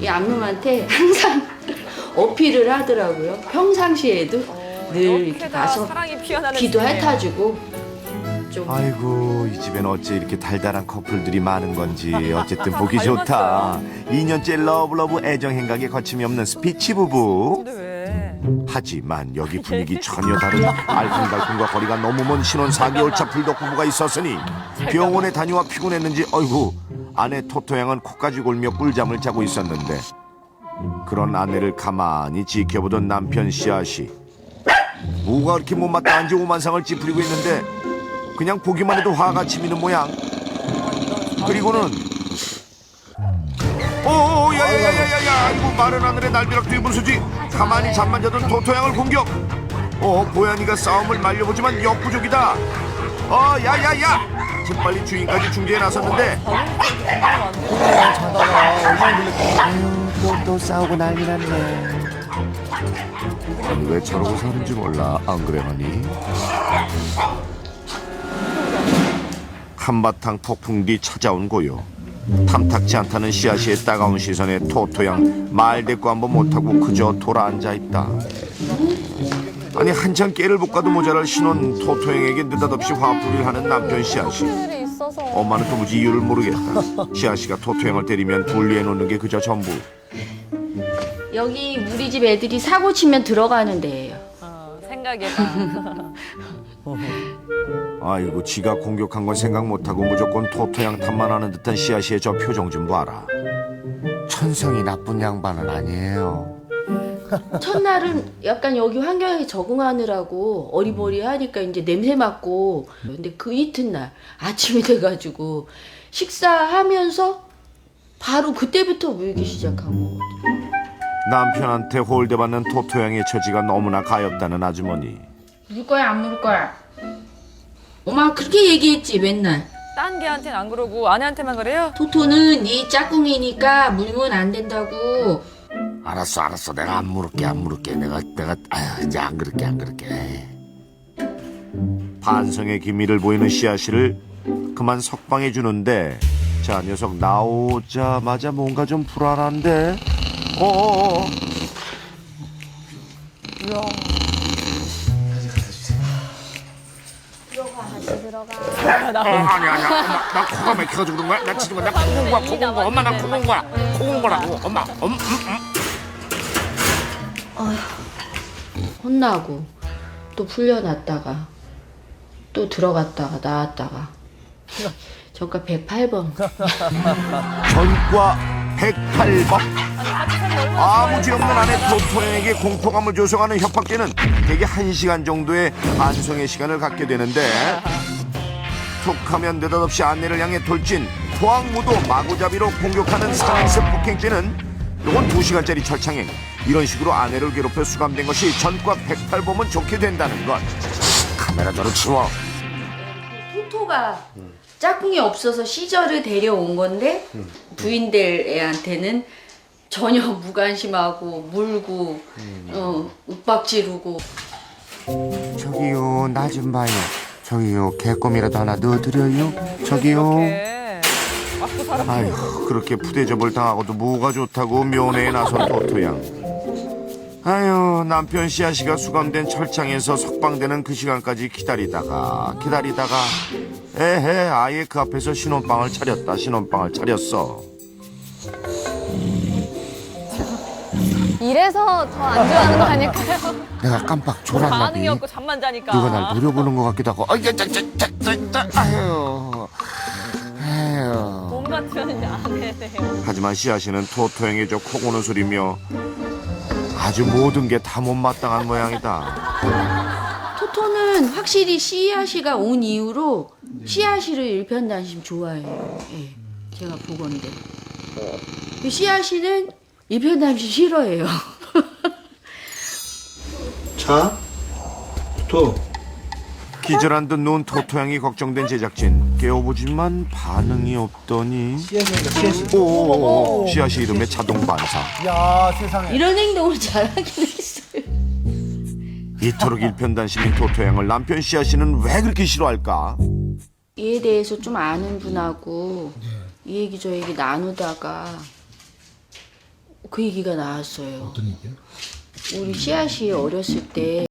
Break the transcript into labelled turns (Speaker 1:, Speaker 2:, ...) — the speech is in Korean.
Speaker 1: 이 암놈한테 항상 어필을 하더라고요. 평상시에도 늘 이렇게 가서 귀도 핥아주고 좀.
Speaker 2: 아이고 이 집엔 어째 이렇게 달달한 커플들이 많은 건지 어쨌든 보기 좋다. 2년째 러브러브 애정 행각에 거침이 없는 스피치 부부.
Speaker 3: 근데 왜?
Speaker 2: 하지만 여기 분위기 전혀 다른 알콩달콩과 거리가 너무 먼 신혼 4개월 차 불독 부부가 있었으니 병원에 다녀와 피곤했는지 어이구 아내 토토양은 코까지 골며 꿀잠을 자고 있었는데 그런 아내를 가만히 지켜보던 남편 씨앗이 뭐가 그렇게 못마땅한지 오만상을 찌푸리고 있는데 그냥 보기만 해도 화가 치미는 모양. 그리고는 야야야야야야 이거 마른 하늘에 날벼락 뒤분수지. 가만히 잠만 자던 토토양을 공격. 고양이가 싸움을 말려보지만 역부족이다. 야야야 재빨리 주인까지 중재에 나섰는데 또 싸우고 난리 났네. 아니 왜 저러고 사는지 몰라. 안 그래 하니? 한바탕 폭풍 뒤 찾아온 고요. 탐탁지 않다는 씨앗이의 따가운 시선에 토토양 말 대꾸 한번 못하고 그저 돌아앉아 있다. 아니 한참 깨를 볶아도 모자랄 신혼 토토양에게 느닷없이 화풀이를 하는 남편 씨앗이. 엄마는 도무지 이유를 모르겠다. 씨앗이가 토토양을 때리면 분리해 놓는 게 그저 전부.
Speaker 1: 여기 우리 집 애들이 사고 치면 들어가는 데예요.
Speaker 3: 생각해봐.
Speaker 2: 아이고 지가 공격한 건 생각 못하고 무조건 토토양 탓만 하는 듯한 씨앗이의 저 표정 좀 봐라. 천성이 나쁜 양반은 아니에요.
Speaker 1: 첫날은 약간 여기 환경에 적응하느라고 어리버리하니까 이제 냄새 맡고. 근데 그 이튿날 아침이 돼가지고 식사하면서 바로 그때부터 물기 시작한 거거든요.
Speaker 2: 남편한테 홀대받는 토토양의 처지가 너무나 가엾다는 아주머니.
Speaker 1: 물 거야 안 물 거야? 엄마 그렇게 얘기했지 맨날.
Speaker 3: 딴 개한테는 안 그러고 아내한테만 그래요?
Speaker 1: 토토는 네 짝꿍이니까 물면 안 된다고.
Speaker 2: 알았어 내가 안 물을게 내가 아휴 이제 안 그럴게. 반성의 기미를 보이는 씨앗이를 그만 석방해 주는데 자 녀석 나오자마자 뭔가 좀 불안한데. 아니야 엄마 나 코가 막혀가지고 그런 거야. 나 지금 나 코곤 거야 엄마. 나 코곤 거라고 엄마.
Speaker 1: 혼나고 또 풀려났다가 또 들어갔다가 나왔다가 저가 108번.
Speaker 2: 전과 108번. 아무 죄 없는 아내 토토양에게 공포감을 조성하는 협박죄는 대개 1시간 정도의 반성의 시간을 갖게 되는데 툭하면 느닷없이 아내를 향해 돌진 토항무도 마구잡이로 공격하는 상습 폭행죄는 이건 2시간짜리 철창행. 이런 식으로 아내를 괴롭혀 수감된 것이 전과 108범은 좋게 된다는 것. 카메라 저로 치워.
Speaker 1: 토토가 짝꿍이 없어서 시절을 데려온 건데 부인될 애한테는 전혀 무관심하고 물고 윽박지르고.
Speaker 2: 저기요 나 좀 봐요. 저기요 개껌이라도 하나 넣어드려요. 저기요.
Speaker 3: 맞고 살아.
Speaker 2: 아휴 그렇게 푸대접을 당하고도 뭐가 좋다고 면회에 나선 토토양. 아휴 남편 씨앗이가 수감된 철창에서 석방되는 그 시간까지 기다리다가 에헤 아예 그 앞에서 신혼방을 차렸어.
Speaker 4: 이래서 더 안 좋아하는 거 아닐까요?
Speaker 2: 내가 깜빡 졸았나비.
Speaker 3: 반응이 없고 잠만 자니까.
Speaker 2: 누가 날 노려보는 것 같기도 하고. 아휴.
Speaker 3: 몸 같으면 안 해요.
Speaker 2: 하지만 씨앗이는 토토행의 저 코고는 소리며 아주 모든 게 다 못마땅한 모양이다.
Speaker 1: 토토는 확실히 씨앗이가 온 이후로 씨앗이를 일편단심 좋아해요. 예, 제가 보건데 씨앗이는 일편단심 싫어해요.
Speaker 5: 자, 또
Speaker 2: 기절한 듯 누운 토토양이 걱정된 제작진 깨워보지만 반응이 없더니 오 씨앗이 이름에 자동 반사.
Speaker 5: 야 세상에.
Speaker 1: 이런 행동을 잘하긴 했어요.
Speaker 2: 이토록 일편단심인 토토양을 남편 씨앗이는 왜 그렇게 싫어할까?
Speaker 1: 이에 대해서 좀 아는 분하고 이 얘기 저 얘기 나누다가 그 얘기가 나왔어요.
Speaker 5: 어떤 얘기야?
Speaker 1: 우리 씨앗이 어렸을 때